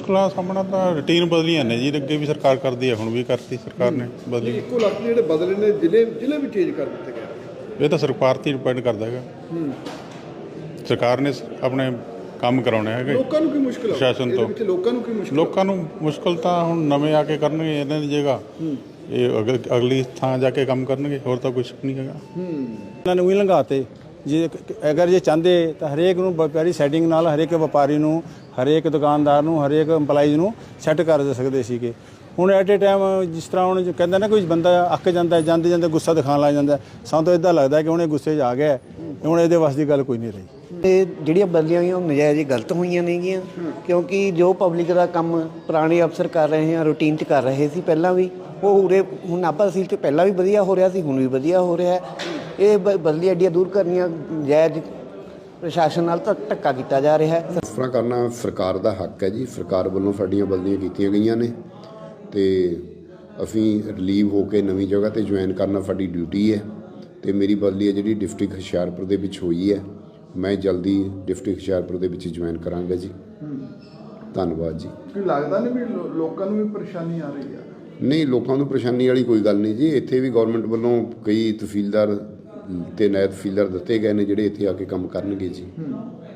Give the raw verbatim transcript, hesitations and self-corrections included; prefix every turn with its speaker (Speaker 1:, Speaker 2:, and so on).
Speaker 1: ਮੁਸ਼ਕਲਾਂ ਸਾਹਮਣਾ ਤਾਂ ਰੂਟੀਨ ਬਦਲੀਆਂ ਨੇ ਜੀ, ਅੱਗੇ ਵੀ ਸਰਕਾਰ ਕਰਦੀ ਹੈ, ਹੁਣ ਵੀ ਕਰਤੀ ਸਰਕਾਰ ਨੇ ਬਦਲੀ।
Speaker 2: ਇੱਕੋ ਲੱਖ ਜਿਹੜੇ ਬਦਲੇ ਨੇ ਜ਼ਿਲ੍ਹੇ ਜ਼ਿਲ੍ਹੇ ਵੀ ਚੇਂਜ ਕਰ ਦਿੱਤੇ ਗਏ।
Speaker 1: ਇਹ ਤਾਂ ਸਰਕਾਰ 'ਤੇ ਡਿਪੈਂਡ ਕਰਦਾ ਹੈਗਾ, ਸਰਕਾਰ ਨੇ ਆਪਣੇ ਕੰਮ ਕਰਾਉਣੇ ਹੈਗੇ।
Speaker 2: ਲੋਕਾਂ ਨੂੰ ਕੀ ਮੁਸ਼ਕਲ
Speaker 1: ਪ੍ਰਸ਼ਾਸਨ ਤੋਂ
Speaker 2: ਲੋਕਾਂ ਨੂੰ ਕੀ ਮੁਸ਼ਕਲ
Speaker 1: ਲੋਕਾਂ ਨੂੰ ਮੁਸ਼ਕਲ ਤਾਂ ਹੁਣ ਨਵੇਂ ਆ ਕੇ ਕਰਨਗੇ ਇਹਨਾਂ ਦੀ ਜਗ੍ਹਾ, ਇਹ ਅਗਲ ਅਗਲੀ ਥਾਂ ਜਾ ਕੇ ਕੰਮ ਕਰਨਗੇ, ਹੋਰ ਤਾਂ ਕੁਛ ਨਹੀਂ ਹੈਗਾ।
Speaker 3: ਇਹਨਾਂ ਨੂੰ ਵੀ ਲੰਘਾਤੇ ਜੇ ਅਗਰ ਜੇ ਚਾਹੁੰਦੇ ਤਾਂ ਹਰੇਕ ਨੂੰ ਵਪਾਰੀ ਸੈਟਿੰਗ ਨਾਲ ਹਰੇਕ ਵਪਾਰੀ ਨੂੰ, ਹਰੇਕ ਦੁਕਾਨਦਾਰ ਨੂੰ, ਹਰੇਕ ਇੰਪਲਾਈਜ਼ ਨੂੰ ਸੈੱਟ ਕਰ ਦੇ ਸਕਦੇ ਸੀਗੇ। ਹੁਣ ਐਟ ਏ ਟਾਈਮ ਜਿਸ ਤਰ੍ਹਾਂ ਹੁਣ ਕਹਿੰਦਾ ਨਾ ਕੋਈ ਬੰਦਾ ਅੱਕ ਜਾਂਦਾ, ਜਾਂਦੇ ਜਾਂਦੇ ਗੁੱਸਾ ਦਿਖਾਉਣ ਲੱਗ ਜਾਂਦਾ, ਸਾਨੂੰ ਤਾਂ ਇੱਦਾਂ ਲੱਗਦਾ ਕਿ ਹੁਣ ਇਹ ਗੁੱਸੇ 'ਚ ਆ ਗਿਆ, ਹੁਣ ਇਹਦੇ ਵੱਸ ਦੀ ਗੱਲ ਕੋਈ ਨਹੀਂ ਰਹੀ।
Speaker 4: ਤੇ ਜਿਹੜੀਆਂ ਬਦਲੀਆਂ ਹੋਈਆਂ ਉਹ ਨਜਾਇਜ਼ ਗਲਤ ਹੋਈਆਂ ਨੇਗੀਆਂ, ਕਿਉਂਕਿ ਜੋ ਪਬਲਿਕ ਦਾ ਕੰਮ ਪੁਰਾਣੇ ਅਫਸਰ ਕਰ ਰਹੇ ਆ, ਰੂਟੀਨ 'ਚ ਕਰ ਰਹੇ ਸੀ ਪਹਿਲਾਂ ਵੀ, ਉਹ ਉਰੇ ਹੁਣ ਨਾਭਾ ਤਹਿਸੀਲ 'ਚ ਪਹਿਲਾਂ ਵੀ ਵਧੀਆ ਹੋ ਰਿਹਾ ਸੀ, ਹੁਣ ਵੀ ਵਧੀਆ ਹੋ ਰਿਹਾ। ਇਹ ਬ ਬਦਲੀ ਐਡੀਆਂ ਦੂਰ ਕਰਨੀਆਂ ਜਾਇਜ਼ ਪ੍ਰਸ਼ਾਸਨ ਨਾਲ ਤਾਂ ਧੱਕਾ ਕੀਤਾ ਜਾ ਰਿਹਾ ਹੈ।
Speaker 5: ਇਸ ਤਰ੍ਹਾਂ ਕਰਨਾ ਸਰਕਾਰ ਦਾ ਹੱਕ ਹੈ ਜੀ, ਸਰਕਾਰ ਵੱਲੋਂ ਸਾਡੀਆਂ ਬਦਲੀਆਂ ਕੀਤੀਆਂ ਗਈਆਂ ਨੇ ਅਤੇ ਅਸੀਂ ਰਿਲੀਵ ਹੋ ਕੇ ਨਵੀਂ ਜਗ੍ਹਾ 'ਤੇ ਜੁਆਇਨ ਕਰਨਾ ਸਾਡੀ ਡਿਊਟੀ ਹੈ। ਅਤੇ ਮੇਰੀ ਬਦਲੀ ਹੈ ਜਿਹੜੀ ਡਿਸਟ੍ਰਿਕਟ ਹੁਸ਼ਿਆਰਪੁਰ ਦੇ ਵਿੱਚ ਹੋਈ ਹੈ, ਮੈਂ ਜਲਦੀ ਡਿਸਟ੍ਰਿਕਟ ਹੁਸ਼ਿਆਰਪੁਰ ਦੇ ਵਿੱਚ ਜੁਆਇਨ ਕਰਾਂਗਾ ਜੀ। ਧੰਨਵਾਦ ਜੀ।
Speaker 2: ਕੀ ਲੱਗਦਾ ਨਹੀਂ ਵੀ ਲੋਕਾਂ ਨੂੰ ਵੀ ਪਰੇਸ਼ਾਨੀ ਆ ਰਹੀ ਆ?
Speaker 5: ਨਹੀਂ, ਲੋਕਾਂ ਨੂੰ ਪਰੇਸ਼ਾਨੀ ਵਾਲੀ ਕੋਈ ਗੱਲ ਨਹੀਂ ਜੀ। ਇੱਥੇ ਵੀ ਗੌਰਮੈਂਟ ਵੱਲੋਂ ਕਈ ਤਹਿਸੀਲਦਾਰ ਅਤੇ ਨਾਇਬ ਤਹਿਸੀਲਦਾਰ ਦਿੱਤੇ ਗਏ ਨੇ ਜਿਹੜੇ ਇੱਥੇ ਆ ਕੇ ਕੰਮ ਕਰਨਗੇ ਜੀ।